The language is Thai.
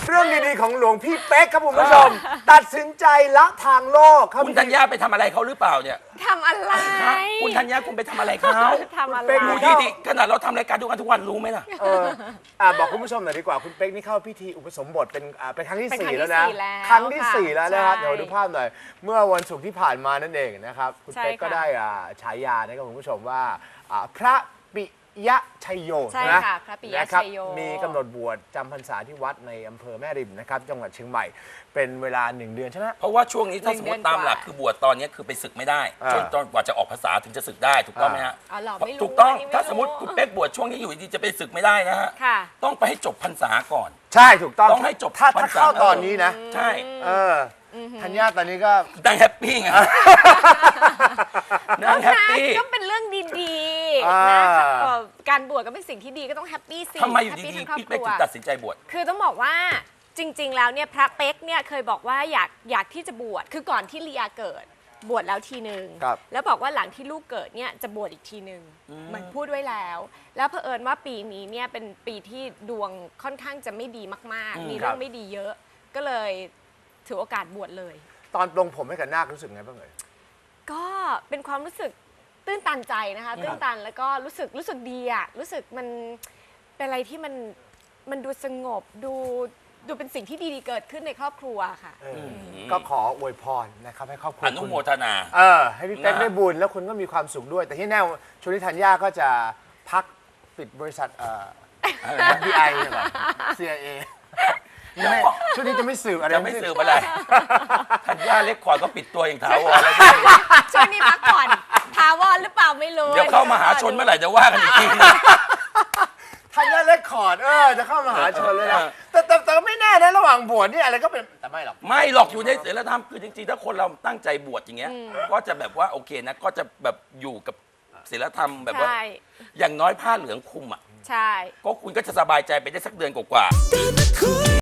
เรื่องดีๆของหลวงพี่เป๊กครับคุณผู้ชม ตัดสินใจละทางโลกครับคุณธัญญาไปทำอะไรเขาหรือเปล่าเนี่ยทำอะไรคุณธัญญาคุณไปทำอะไรเขาทำอะไรดูดีๆขนาดเราทำรายการทุกวันรู้ไหมล่ะบอกคุณผู้ชมหน่อยดีกว่าคุณเป๊กนี่เข้าพิธีอุปสมบทเป็นครั้งที่เป็น 4 แล้วนะ คครั้รั้งงที่ที่สี่ 4 แล้แล้ววนะครับใช่เดี๋ยวดูภาพหน่อย เมื่อวันศุกร์ที่ผ่านมานั่นเองนะครับคุณใช่เป๊กก็ค่ะได้ฉายานะครับคุณผู้ชมว่าพระปิยะชัยโยใช่นะค่ะพระปิยะนะครับชัยโยมีกำหนดบวชจำพรรษาที่วัดในอำเภอแม่ริมนะครับจังหวัดเชียงใหม่เป็นเวลา1 เดือนใช่ไหมเพราะว่าช่วงนี้ถ้าสมมติตามหลักคือบวชตอนนี้คือไปศึกไม่ได้จนกว่าจะออกภาษาถึงจะศึกได้ถูกต้องไหมฮะอ๋อเหรอไม่รู้ถูกต้องนนี้ไถ้าสมมติคุณเป๊กบวชช่วงนี้อยู่ดีๆจะไปศึกไม่ได้นะฮะค่ะต้องไปให้จบพรรษาก่อนใช่ถูกต้องต้องให้จบถ้าพรรษาเข้าตอนนี้นะใช่ธัญญาตอนนี้ก็นางแฮปปี้ไงนางแฮปปี้ก็เป็นเรื่องดีๆอ่านะการบวชก็เป็นสิ่งที่ดีก็ต้องแฮปปี้สิทำไมอยู่แฮปปี้ดีทั้งครอบๆพี่คเป๊กรัวถึงตัดสินใจบวชคือต้องบอกว่าจริง ๆ แล้วเนี่ยพระเป๊กเนี่ยเคยบอกว่าอยากที่จะบวชคือก่อนที่ลียาเกิดบวชแล้วทีหนึ่งครับแล้วบอกว่าหลังที่ลูกเกิดเนี่ยจะบวชอีกทีหนึ่งเหมือนพูดไว้แล้ว แล้วเผอิญว่าปีนี้เนี่ยเป็นปีที่ดวงค่อนข้างจะไม่ดีมากๆ มีเรื่องไม่ดีเยอะ ก็เลยถือโอกาสบวชเลยตอนปลงผมให้กับนาครู้สึกไงบ้างเอ่ยก็เป็นความรู้สึกตื้นตันใจนะคะตื้นตันแล้วก็รู้สึกดีอะรู้สึกมันเป็นอะไรที่มันดูสงบดูเป็นสิ่งที่ดีๆเกิดขึ้นในครอบครัวค่ะก็ขออวยพรนะครับให้ครอบครัวอนุโมทนาให้พี่เป๊กนะได้บุญแล้วคุณก็มีความสุขด้วย แต่ที่แน่ช่วงนี้ธัญญาก็จะพักปิดบริษัทFBI ก่อน CIA ไม่ช่วงนี้จะไม่สืบอะไรจะไม่ทั้งสืสิ้บนอะไรธัญญาเล็กขอดก็ปิดตัวอย่างถาวรแล้วช่วงนี้พักก่อนทาวรหรือเปล่าไม่รู้เดี๋ยวเข้ามาหาชนเมื่อไหร่จะว่ากันอีกทีนึงธัญญาเล็กคอร์ดจะเข้ามาหาชนเลยนะแต่ไม่แน่นะระหว่างบวชนี่อะไรก็เป็นแต่ไม่หรอกไม่หรอกอยู่ในศีลธรรมคือจริงๆถ้าคนเราตั้งใจบวชอย่างเงี้ยก็จะแบบว่าโอเคนะก็จะแบบอยู่กับศีลธรรมแบบว่าใช่อย่างน้อยผ้าเหลืองคลุมอ่ะใช่ก็คุณก็จะสบายใจไปได้สักเดือนกว่าๆ